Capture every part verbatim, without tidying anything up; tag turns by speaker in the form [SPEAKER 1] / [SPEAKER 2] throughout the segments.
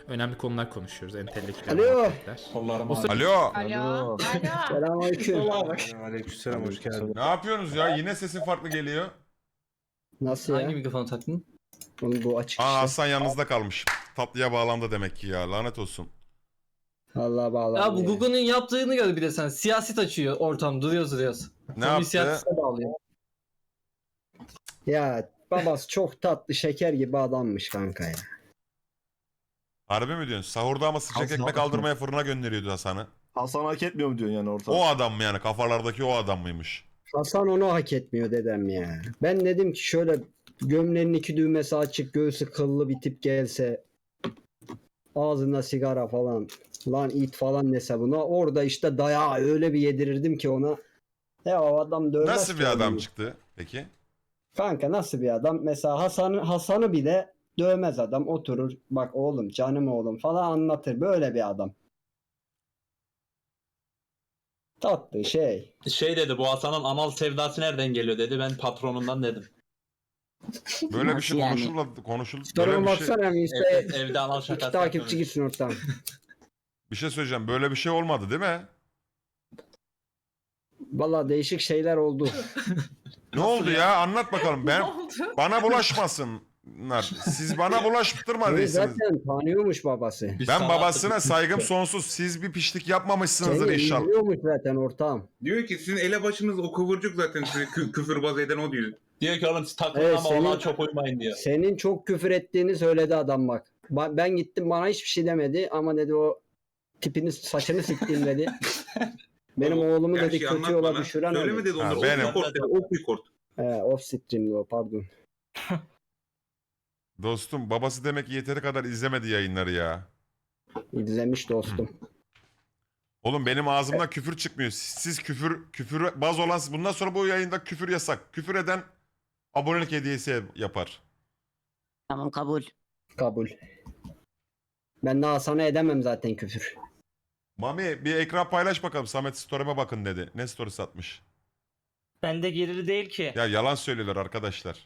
[SPEAKER 1] önemli konular konuşuyoruz. Entelektüel
[SPEAKER 2] Alo.
[SPEAKER 1] muhabbetler.
[SPEAKER 3] Kollarıma
[SPEAKER 1] Alo.
[SPEAKER 4] Alo. Alo.
[SPEAKER 2] Selamünaleyküm.
[SPEAKER 3] Aleykümselam, hoş geldin.
[SPEAKER 5] Ne yapıyorsunuz ya? Yine sesin farklı geliyor.
[SPEAKER 2] Nasıl
[SPEAKER 6] Hangi
[SPEAKER 2] ya?
[SPEAKER 6] mikrofonu taktın?
[SPEAKER 2] Oğlum bu açık
[SPEAKER 5] Aa
[SPEAKER 2] işte.
[SPEAKER 5] Hasan yanınızda kalmış. Tatlıya bağlandı demek ki ya. Lanet olsun.
[SPEAKER 2] Allah bağlı.
[SPEAKER 6] Ya bu Google'un yaptığını gör bir de sen. Siyaset açıyor ortam. Duruyoruz duruyoruz.
[SPEAKER 5] Ne
[SPEAKER 6] Sonra bir
[SPEAKER 5] yaptı?
[SPEAKER 6] siyasete bağlıyor.
[SPEAKER 2] Ya babası çok tatlı şeker gibi adammış kanka ya.
[SPEAKER 5] Harbi mi diyorsun? Sahurda ama sıcak
[SPEAKER 3] Hasan-
[SPEAKER 5] ekmek aldırmaya fırına gönderiyordu Hasan'ı.
[SPEAKER 7] Hasan hak etmiyor mu diyorsun yani ortada?
[SPEAKER 5] O adam mı yani? Kafalardaki o adam mıymış?
[SPEAKER 2] Hasan onu hak etmiyor dedem ya. Ben dedim ki şöyle gömleğinin iki düğmesi açık, göğsü kıllı bir tip gelse, ağzında sigara falan, lan it falan dese buna, orada işte dayağı öyle bir yedirirdim ki ona. Ya o adam dövmez
[SPEAKER 5] Nasıl bir
[SPEAKER 2] ki
[SPEAKER 5] adam
[SPEAKER 2] onu.
[SPEAKER 5] çıktı peki?
[SPEAKER 2] Kanka nasıl bir adam? Mesela Hasan'ı Hasan'ı bile dövmez adam. Oturur, bak oğlum, canım oğlum falan anlatır. Böyle bir adam. Tatlı şey.
[SPEAKER 3] Şey dedi, bu Hasan'ın anal sevdası nereden geliyor dedi. Ben patronundan dedim.
[SPEAKER 5] Böyle bir şey
[SPEAKER 4] yani?
[SPEAKER 5] konuşuldu. Konuşuldu.
[SPEAKER 2] Soruma
[SPEAKER 5] Böyle bir şey,
[SPEAKER 2] baksana
[SPEAKER 3] Evde,
[SPEAKER 2] işte
[SPEAKER 3] evde anal
[SPEAKER 2] iki
[SPEAKER 3] şakası
[SPEAKER 2] takipçi
[SPEAKER 3] yapıyormuş.
[SPEAKER 2] gitsin ortam.
[SPEAKER 5] bir şey söyleyeceğim. Böyle bir şey olmadı değil mi?
[SPEAKER 2] Valla değişik şeyler oldu.
[SPEAKER 5] Ne oldu ya? Anlat bakalım. Ben bana bulaşmasınlar. Siz bana
[SPEAKER 2] Beni
[SPEAKER 5] bulaştırmadıysanız.
[SPEAKER 2] zaten tanıyormuş babası.
[SPEAKER 3] Biz
[SPEAKER 5] Ben
[SPEAKER 3] sana
[SPEAKER 5] babasına
[SPEAKER 3] attık.
[SPEAKER 5] saygım sonsuz. Siz bir pişlik yapmamışsınızdır
[SPEAKER 2] Seni
[SPEAKER 5] inşallah.
[SPEAKER 2] izliyormuş zaten ortam.
[SPEAKER 8] Diyor ki sizin elebaşınız o kıvırcık zaten size kü- küfürbaz eden o diyor.
[SPEAKER 3] Diyor ki oğlum siz takılın
[SPEAKER 2] Evet,
[SPEAKER 3] ama
[SPEAKER 2] senin-
[SPEAKER 3] ona çok uymayın diyor.
[SPEAKER 2] Senin çok küfür ettiğini söyledi adam bak. Ba- Ben gittim, bana hiçbir şey demedi ama dedi o tipini, saçını siktiğim dedi. Benim oğlumu dedi
[SPEAKER 8] Gerçi
[SPEAKER 2] kötü
[SPEAKER 8] anlat
[SPEAKER 2] yola
[SPEAKER 8] bana.
[SPEAKER 2] düşüren
[SPEAKER 8] Söyleme
[SPEAKER 2] öyle.
[SPEAKER 8] dedi onları.
[SPEAKER 5] Ha,
[SPEAKER 8] Off
[SPEAKER 5] benim.
[SPEAKER 8] record dedi. Off record.
[SPEAKER 2] He, off stream'di o, pardon.
[SPEAKER 5] Dostum babası demek ki yeteri kadar izlemedi yayınları ya.
[SPEAKER 2] İzlemiş dostum.
[SPEAKER 5] Oğlum benim ağzımdan küfür çıkmıyor. Siz küfür küfür baz olan bundan sonra bu yayında küfür yasak. Küfür eden abonelik hediyesi yapar.
[SPEAKER 4] Tamam, kabul.
[SPEAKER 2] Kabul. Ben daha sana edemem zaten küfür.
[SPEAKER 5] Mami bir ekran paylaş bakalım. Samet story'me bakın dedi. Ne story'si atmış?
[SPEAKER 9] Bende gerili değil ki.
[SPEAKER 5] Ya yalan söylüyorlar arkadaşlar.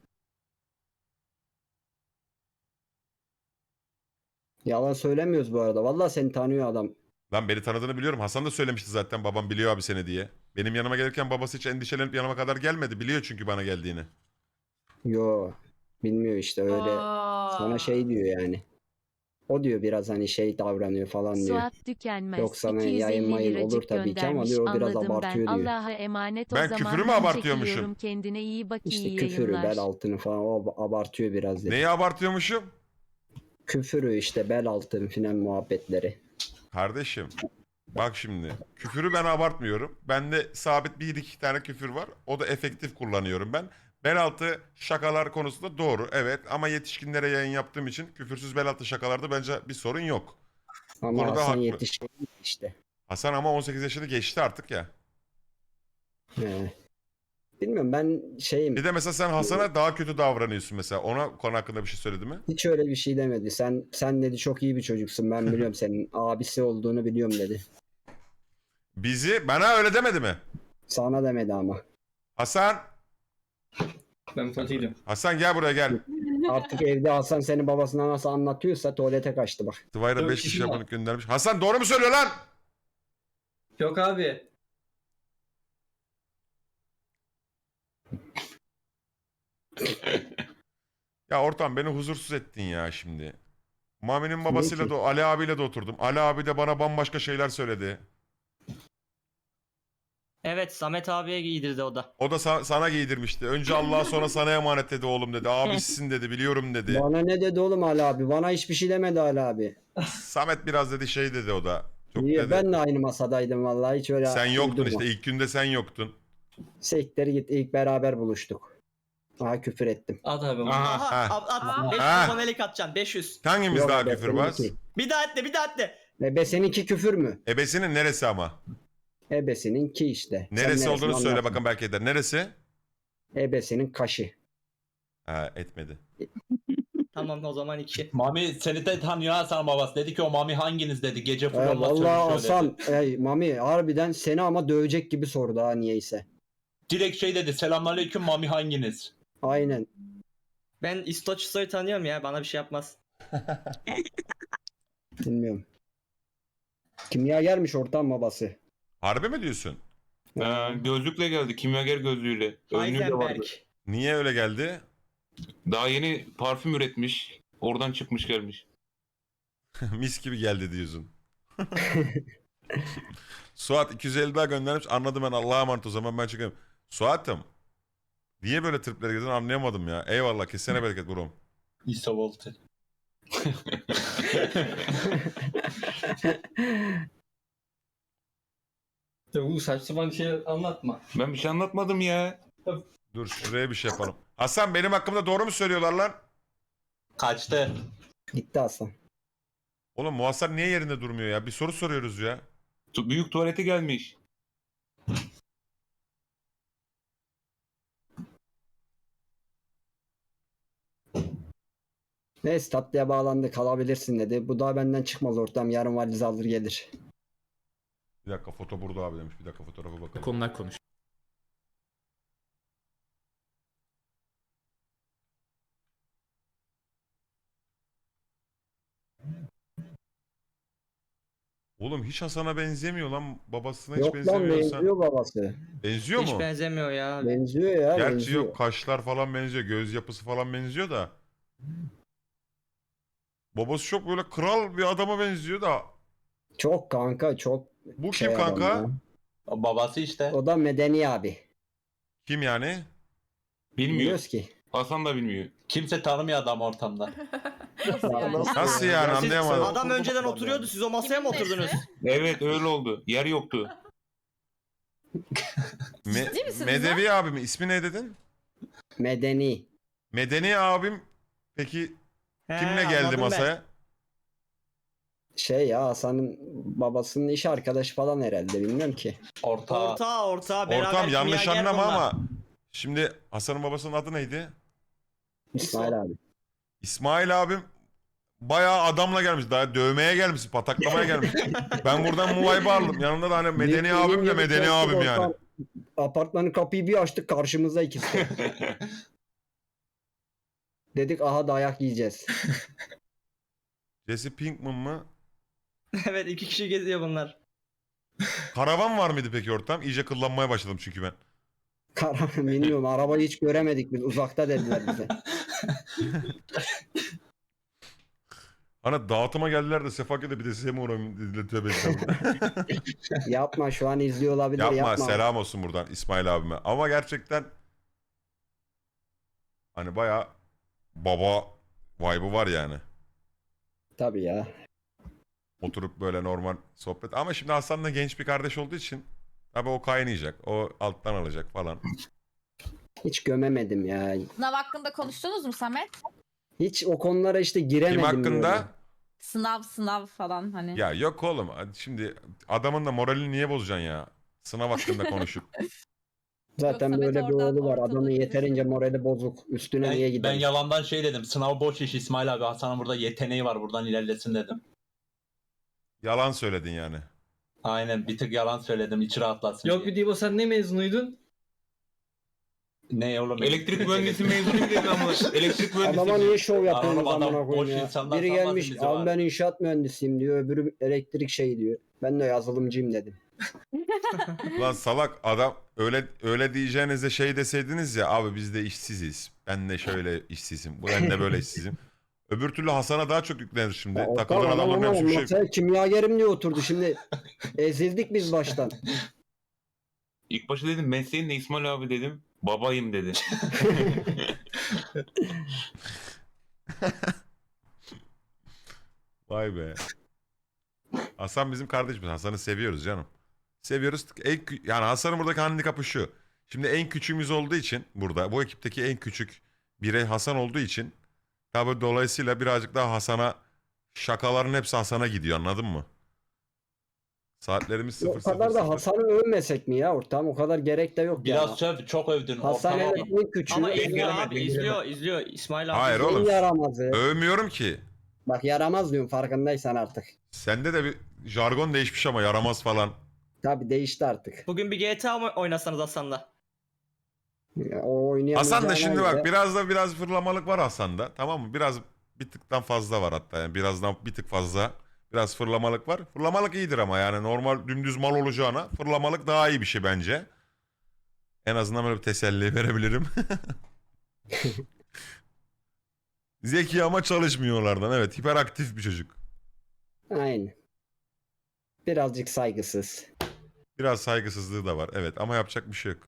[SPEAKER 2] Yalan söylemiyoruz bu arada. Vallahi seni tanıyor adam.
[SPEAKER 5] Lan beni tanıdığını biliyorum. Hasan da söylemişti zaten babam biliyor abi seni diye. Benim yanıma gelirken babası hiç endişelenip yanıma kadar gelmedi. Biliyor çünkü bana geldiğini.
[SPEAKER 2] Yo. Bilmiyor işte öyle.
[SPEAKER 4] Aa.
[SPEAKER 2] Sana şey diyor yani. O diyor biraz hani şey davranıyor falan diyor.
[SPEAKER 10] Suat Tükenmez
[SPEAKER 2] Yoksa hani
[SPEAKER 10] iki yüz
[SPEAKER 2] yayın
[SPEAKER 10] elli
[SPEAKER 2] mayın olur
[SPEAKER 10] liracık
[SPEAKER 2] tabii ki ama
[SPEAKER 10] göndermiş.
[SPEAKER 2] diyor o biraz
[SPEAKER 10] Anladım
[SPEAKER 2] abartıyor
[SPEAKER 10] ben.
[SPEAKER 2] diyor.
[SPEAKER 10] Allah'a emanet o
[SPEAKER 5] Ben
[SPEAKER 10] zaman.
[SPEAKER 5] küfürü mü
[SPEAKER 10] ben
[SPEAKER 5] abartıyormuşum?
[SPEAKER 10] çekiliyorum. Kendine iyi bak,
[SPEAKER 2] İşte
[SPEAKER 10] iyi
[SPEAKER 2] küfürü,
[SPEAKER 10] yayınlar.
[SPEAKER 2] bel altını falan o abartıyor biraz dedi.
[SPEAKER 5] Neyi abartıyormuşum?
[SPEAKER 2] Küfürü işte, bel altını filan muhabbetleri.
[SPEAKER 5] Kardeşim bak şimdi küfürü ben abartmıyorum. Bende sabit bir iki tane küfür var. O da efektif kullanıyorum ben. Bel altı şakalar konusunda doğru evet ama yetişkinlere yayın yaptığım için küfürsüz bel altı şakalarda bence bir sorun yok.
[SPEAKER 2] Ama
[SPEAKER 5] Konuda
[SPEAKER 2] Hasan
[SPEAKER 5] haklı.
[SPEAKER 2] yetişkin işte.
[SPEAKER 5] Hasan ama on sekiz yaşını geçti artık ya.
[SPEAKER 2] He. Bilmiyorum ben şeyim.
[SPEAKER 5] Bir de mesela sen Hasan'a daha kötü davranıyorsun mesela. Ona konu hakkında bir şey söyledi mi?
[SPEAKER 2] Hiç öyle bir şey demedi. Sen sen dedi çok iyi bir çocuksun. Ben biliyorum senin abisi olduğunu biliyorum dedi.
[SPEAKER 5] Bizi bana öyle demedi mi?
[SPEAKER 2] Sana demedi ama.
[SPEAKER 5] Hasan,
[SPEAKER 6] Ben tuvalete gidiyorum.
[SPEAKER 5] Hasan gel buraya gel.
[SPEAKER 2] Artık evde Hasan senin babasına nasıl anlatıyorsa tuvalete kaçtı bak.
[SPEAKER 5] Tıvayra
[SPEAKER 6] Yok,
[SPEAKER 5] beş kişi
[SPEAKER 6] işim var.
[SPEAKER 5] abonelik göndermiş. Hasan doğru mu söylüyor lan?
[SPEAKER 6] Yok abi.
[SPEAKER 5] Ya ortam beni huzursuz ettin ya şimdi. Mami'nin babasıyla
[SPEAKER 2] ki?
[SPEAKER 5] da Ali abiyle de oturdum. Ali abi de bana bambaşka şeyler söyledi.
[SPEAKER 9] Evet, Samet abiye giydirdi o da.
[SPEAKER 5] O da sa- sana giydirmişti. Önce Allah'a sonra sana emanet dedi oğlum dedi. Abisisin dedi biliyorum dedi.
[SPEAKER 2] Bana ne dedi oğlum Ali abi? Bana hiçbir şey demedi Ali abi.
[SPEAKER 5] Samet biraz dedi şey dedi o da. Çok
[SPEAKER 2] Niye?
[SPEAKER 5] dedi.
[SPEAKER 2] Ben de aynı masadaydım vallahi hiç öyle.
[SPEAKER 5] Sen yoktun
[SPEAKER 2] uydurma.
[SPEAKER 5] işte ilk günde sen yoktun.
[SPEAKER 2] Sektere git, ilk beraber buluştuk. Aha küfür ettim.
[SPEAKER 6] At abi.
[SPEAKER 5] Aha,
[SPEAKER 9] Aha,
[SPEAKER 5] ha.
[SPEAKER 9] at, at. beş yüz
[SPEAKER 5] Ha.
[SPEAKER 9] abonelik atacaksın, beş yüz.
[SPEAKER 5] Hangimiz
[SPEAKER 2] Yok
[SPEAKER 5] daha
[SPEAKER 2] be,
[SPEAKER 5] küfürbaz?
[SPEAKER 2] seninki.
[SPEAKER 9] Bir daha etle, bir daha etle.
[SPEAKER 2] Ebe seninki küfür mü?
[SPEAKER 5] Ebesinin neresi ama?
[SPEAKER 2] Ebesininki işte. Sen
[SPEAKER 5] Neresi olduğunu
[SPEAKER 2] neresini
[SPEAKER 5] söyle
[SPEAKER 2] anlat.
[SPEAKER 5] bakın belki eder. Neresi?
[SPEAKER 2] Ebesinin kaşı.
[SPEAKER 5] Ha etmedi.
[SPEAKER 9] Tamam, o zaman iki.
[SPEAKER 3] Mami seni de tanıyor Hasan babası. Dedi ki o Mami hanginiz dedi. Gece
[SPEAKER 2] Ee,
[SPEAKER 3] fırlatma
[SPEAKER 2] vallahi
[SPEAKER 3] sözü söyledi.
[SPEAKER 2] Hasan, ey, Mami harbiden seni ama dövecek gibi sordu ha niyeyse.
[SPEAKER 3] Direkt şey dedi. Selamünaleyküm Mami hanginiz?
[SPEAKER 2] Aynen.
[SPEAKER 9] Ben İstoçsoy'u tanıyorum ya, bana bir şey yapmaz.
[SPEAKER 2] Bilmiyorum. Kimyagermiş ortam babası.
[SPEAKER 5] Harbi mi diyorsun?
[SPEAKER 8] Ee, gözlükle geldi. Kimyager gözlüğüyle. Önlüğü de vardı.
[SPEAKER 9] Heisenberg.
[SPEAKER 5] Niye öyle geldi?
[SPEAKER 8] Daha yeni parfüm üretmiş. Oradan çıkmış gelmiş.
[SPEAKER 5] Mis gibi geldi diyorsun. Suat iki yüz elli daha göndermiş. Anladım ben, Allah'a emanet, o zaman ben çıkayım. Suat'ım. Niye böyle triplere girdin anlayamadım ya. Eyvallah, kesene bereket buram.
[SPEAKER 3] İsa Volte.
[SPEAKER 6] Ya bu saçma sapan şey anlatma.
[SPEAKER 8] Ben bir şey anlatmadım ya.
[SPEAKER 5] Dur şuraya bir şey yapalım. Hasan, benim hakkımda doğru mu söylüyorlar lan?
[SPEAKER 3] Kaçtı.
[SPEAKER 2] Gitti Hasan.
[SPEAKER 5] Oğlum Muhasar niye yerinde durmuyor ya? Bir soru soruyoruz ya.
[SPEAKER 8] Tu- Büyük tuvalete gelmiş.
[SPEAKER 2] Neyse tatlıya bağlandı, kalabilirsin dedi. Bu da benden çıkmaz ortam. Yarın valiz alır gelir.
[SPEAKER 5] Bir dakika, foto burada abi demiş. Bir dakika fotoğrafa bakalım.
[SPEAKER 1] Konular konuş.
[SPEAKER 5] Oğlum hiç Hasan'a benzemiyor lan. Babasına hiç
[SPEAKER 2] Yok lan,
[SPEAKER 5] benzemiyorsa.
[SPEAKER 2] benziyor babası.
[SPEAKER 5] Benziyor
[SPEAKER 9] Hiç
[SPEAKER 5] mu?
[SPEAKER 9] benzemiyor ya.
[SPEAKER 2] Benziyor ya,
[SPEAKER 5] Gerçi
[SPEAKER 2] benziyor.
[SPEAKER 5] yok, kaşlar falan benziyor. Göz yapısı falan benziyor da. Babası çok böyle kral bir adama benziyor da.
[SPEAKER 2] Çok kanka, çok
[SPEAKER 5] Bu
[SPEAKER 2] şey
[SPEAKER 5] kim
[SPEAKER 2] adam
[SPEAKER 5] kanka?
[SPEAKER 2] ya.
[SPEAKER 3] O babası işte.
[SPEAKER 2] O da medeni abi.
[SPEAKER 5] Kim yani?
[SPEAKER 8] Bilmiyor.
[SPEAKER 2] Biliyoruz ki.
[SPEAKER 8] Hasan da bilmiyor.
[SPEAKER 3] Kimse tanımıyor adam ortamda.
[SPEAKER 5] Nasıl yani,
[SPEAKER 9] Siz-
[SPEAKER 5] anlayamadım.
[SPEAKER 9] Adam önceden oturuyordu. Siz o masaya mı oturdunuz?
[SPEAKER 8] Evet öyle oldu. Yer yoktu.
[SPEAKER 5] Me-
[SPEAKER 11] Ciddi misiniz
[SPEAKER 5] Medevi abi mi? İsmi ne dedin?
[SPEAKER 2] Medeni.
[SPEAKER 5] Medeni abim peki
[SPEAKER 9] He,
[SPEAKER 5] kimle geldi
[SPEAKER 9] anladım ben.
[SPEAKER 5] masaya?
[SPEAKER 2] Şey ya, Hasan'ın babasının iş arkadaşı falan herhalde, bilmiyorum ki.
[SPEAKER 3] Orta.
[SPEAKER 9] Orta orta beraber
[SPEAKER 5] Ortam yanlış
[SPEAKER 9] kimyager
[SPEAKER 5] anlama
[SPEAKER 9] bunlar.
[SPEAKER 5] ama şimdi Hasan'ın babasının adı neydi?
[SPEAKER 2] İsmail abi.
[SPEAKER 5] İsmail abim bayağı adamla gelmiş. Daha dövmeye gelmiş, pataklamaya gelmiş. Ben buradan bu vibe'ı aldım. Yanında da hani medeni
[SPEAKER 2] Yemin
[SPEAKER 5] abim de
[SPEAKER 2] ederim
[SPEAKER 5] medeni
[SPEAKER 2] korktuk
[SPEAKER 5] abim
[SPEAKER 2] ortam.
[SPEAKER 5] yani.
[SPEAKER 2] Apartmanın kapıyı bir açtık, karşımızda ikisi. Dedik aha dayak yiyeceğiz.
[SPEAKER 5] Jesse Pinkman mı?
[SPEAKER 9] Evet iki kişi geziyor bunlar.
[SPEAKER 5] Karavan var mıydı peki ortam? İyice kıllanmaya başladım çünkü ben.
[SPEAKER 2] Karar bilmiyorum, arabayı hiç göremedik biz, uzakta dediler bize.
[SPEAKER 5] Hani dağıtıma geldiler de Sefaket'e bir de size mi uğrayayım dediler, tövbe estağfurullah.
[SPEAKER 2] Yapma, şu an izliyor olabilir,
[SPEAKER 5] Yapma,
[SPEAKER 2] yapma.
[SPEAKER 5] selam olsun buradan İsmail abime. Ama gerçekten hani bayağı baba vibe'ı var yani.
[SPEAKER 2] Tabii ya.
[SPEAKER 5] Oturup böyle normal sohbet. Ama şimdi Hasan da genç bir kardeş olduğu için tabii o kaynayacak. O alttan alacak falan.
[SPEAKER 2] Hiç gömemedim ya.
[SPEAKER 11] Sınav hakkında konuştunuz mu Samet?
[SPEAKER 2] Hiç o konulara işte giremedim.
[SPEAKER 5] Kim hakkında?
[SPEAKER 2] böyle.
[SPEAKER 11] Sınav sınav falan hani.
[SPEAKER 5] Ya yok oğlum. Şimdi adamın da moralini niye bozacaksın ya? Sınav hakkında konuşup.
[SPEAKER 2] Zaten
[SPEAKER 11] Yoksa
[SPEAKER 2] böyle
[SPEAKER 11] Mete
[SPEAKER 2] bir
[SPEAKER 11] oradan
[SPEAKER 2] oğlu var.
[SPEAKER 11] ortalığı
[SPEAKER 2] Adamın yeterince morali bozuk. Üstüne niye
[SPEAKER 3] Ben, ben
[SPEAKER 2] gidelim?
[SPEAKER 3] yalandan şey dedim. Sınav boş iş İsmail abi. Hasan'ın burada yeteneği var. Buradan ilerlesin dedim.
[SPEAKER 5] Yalan söyledin yani.
[SPEAKER 3] Aynen bir tık yalan söyledim. İçi rahatlasın
[SPEAKER 6] Yok
[SPEAKER 3] diye.
[SPEAKER 6] bir Dibo, sen ne mezunuydun?
[SPEAKER 3] Ne oğlum?
[SPEAKER 8] Elektrik mühendisi mezunuyum dedi ama elektrik mühendisi.
[SPEAKER 2] Adama niye şov yapıyorsunuz
[SPEAKER 3] Adam
[SPEAKER 2] amına
[SPEAKER 3] boş
[SPEAKER 2] koyayım ya?
[SPEAKER 3] insanlar
[SPEAKER 2] Biri
[SPEAKER 3] sanmasın
[SPEAKER 2] gelmiş,
[SPEAKER 3] bizi
[SPEAKER 2] abi
[SPEAKER 3] var."
[SPEAKER 2] ben inşaat mühendisiyim diyor. Öbürü elektrik şey diyor. Ben de yazılımcıyım dedim.
[SPEAKER 5] Lan salak adam, öyle öyle diyeceğinize şey deseydiniz ya, abi biz de işsiziz. Ben de şöyle işsizim. Ben de böyle işsizim. Öbür türlü Hasan'a daha çok yüklenir şimdi.
[SPEAKER 2] Ya,
[SPEAKER 5] Takılan
[SPEAKER 2] Okan,
[SPEAKER 5] adamların
[SPEAKER 2] adam
[SPEAKER 5] hepsi bir şey.
[SPEAKER 2] masaya kimyagerim diye oturdu. Şimdi ezildik biz baştan.
[SPEAKER 8] İlk başta dedim mesleğin ne İsmail abi dedim. Babayım dedi.
[SPEAKER 5] Vay be. Hasan bizim kardeşimiz. Hasan'ı seviyoruz canım. Seviyoruz. En, kü- yani Hasan'ın buradaki handikapı şu. Şimdi en küçüğümüz olduğu için burada, bu ekipteki en küçük birey Hasan olduğu için tabi dolayısıyla birazcık daha Hasan'a, şakaların hepsi Hasan'a gidiyor, anladın mı? Saatlerimiz
[SPEAKER 2] O
[SPEAKER 5] sıfır sıfır
[SPEAKER 2] kadar da
[SPEAKER 5] sıfır.
[SPEAKER 2] Hasan'ı övmesek mi ya ortam? O kadar gerek de yok
[SPEAKER 3] Biraz
[SPEAKER 2] ya.
[SPEAKER 3] söv. Çok övdün.
[SPEAKER 2] Hasan
[SPEAKER 3] Ortama-
[SPEAKER 2] evet en küçüğü.
[SPEAKER 9] Ama
[SPEAKER 2] en
[SPEAKER 9] izliyor
[SPEAKER 8] gelemedim,
[SPEAKER 9] abi
[SPEAKER 8] gelemedim.
[SPEAKER 9] izliyor izliyor İsmail abi.
[SPEAKER 5] Hayır
[SPEAKER 9] izliyor.
[SPEAKER 5] oğlum.
[SPEAKER 2] yaramazı.
[SPEAKER 5] Övmüyorum ki.
[SPEAKER 2] Bak yaramaz diyorum, farkındaysan artık.
[SPEAKER 5] Sende de bir jargon değişmiş ama yaramaz falan.
[SPEAKER 2] Tabii değişti artık.
[SPEAKER 9] Bugün bir G T A mı oynasanız Hasan'la?
[SPEAKER 2] Ya, o oynayamayacağına
[SPEAKER 5] Hasan da şimdi
[SPEAKER 2] göre-
[SPEAKER 5] bak biraz da biraz fırlamalık var Hasan'da, tamam mı? Biraz bir tıktan fazla var hatta, yani birazdan bir tık fazla Biraz fırlamalık var. Fırlamalık iyidir ama yani normal dümdüz mal olacağına fırlamalık daha iyi bir şey bence. En azından böyle bir teselli verebilirim. Zeki ama çalışmıyorlardan. Evet, hiperaktif bir çocuk.
[SPEAKER 2] Aynen. Birazcık saygısız.
[SPEAKER 5] Biraz saygısızlığı da var. Evet ama yapacak bir şey yok.